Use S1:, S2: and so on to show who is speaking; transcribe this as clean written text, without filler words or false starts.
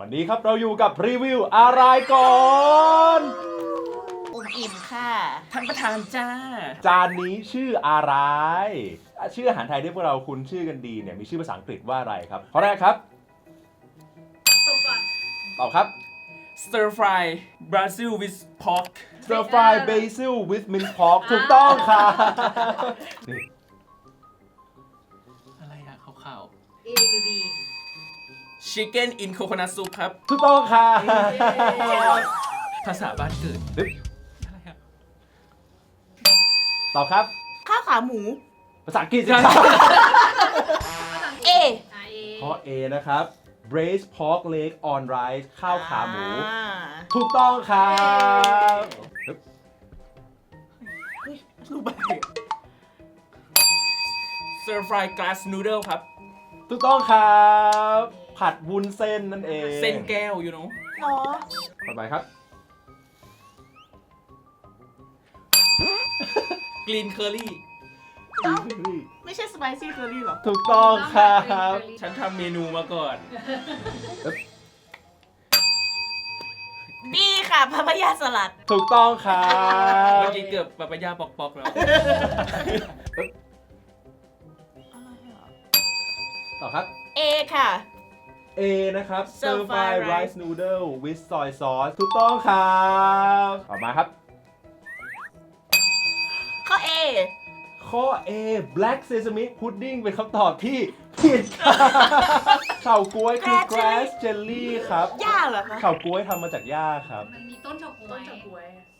S1: วันนี้ครับเราอยู่กับรีวิวอะไรก่อน
S2: อิ่มค่ะ
S3: ท่านประธานจ้า
S1: จานนี้ชื่ออะไรชื่ออาหารไทยที่พวกเราคุ้นชื่อกันดีเนี่ยมีชื่อภาษาอังกฤษว่าอะไรครับข้อแรกครับตอบครับ
S3: Stir Fry Brazil with Pork
S1: Stir fry basil with minced pork ถูกต้องครับนี่
S3: อะไรอะขาว
S2: A หรือ B
S3: ๆ Chicken in Coconut Soup ครับ
S1: ถูกต้องครับ
S3: ภาษาบ้านเกิด
S1: นึก
S3: อะไรอะ
S1: ตอบครับ
S2: ข้าวขาหมู
S1: ภาษาอังกฤษครับ
S2: A
S1: ข้อ A นะครับ braised pork leg on rice ข้าวขาหมู
S2: อ่า
S1: ถูกต้องครับนึก
S3: รูปอะไรอะ Stir Fry Glass Noodle ครับ
S1: ถูกต้องครับผัดวุ้นเส้นนั่นเอง
S3: เส้นแก้ว you know
S2: หรอ
S1: ต่อไปครับ
S3: Green Curry
S2: ไม่ใช่สไปซี่เคอรี่หรอ
S1: ถูกต้องครับ
S3: ฉันทำเมนูมาก่อน
S2: B ค่ะพาปายาสลัด
S1: ถูกต้องครั
S3: เมื่
S1: บ
S3: อกี้เกือบปะปะยาปอกๆแล้ว
S1: ต่อครับ
S2: A ค่ะ
S1: A นะครับ
S2: Stir
S1: Stir
S2: fry
S1: fry
S2: rice
S1: rice noodle with soy sauce ถูกต้องครับต่อมาครับ
S2: ข้อ A
S1: ข้อ A black sesame pudding เป็นคำตอบที่ผิดครับเฉาก๊วยคือ grass jelly ครับ
S2: ย่าเหรอคะ
S1: เฉาก๊วยทำมาจากหญ้าครับ
S4: มันมีต้นเฉาก๊วย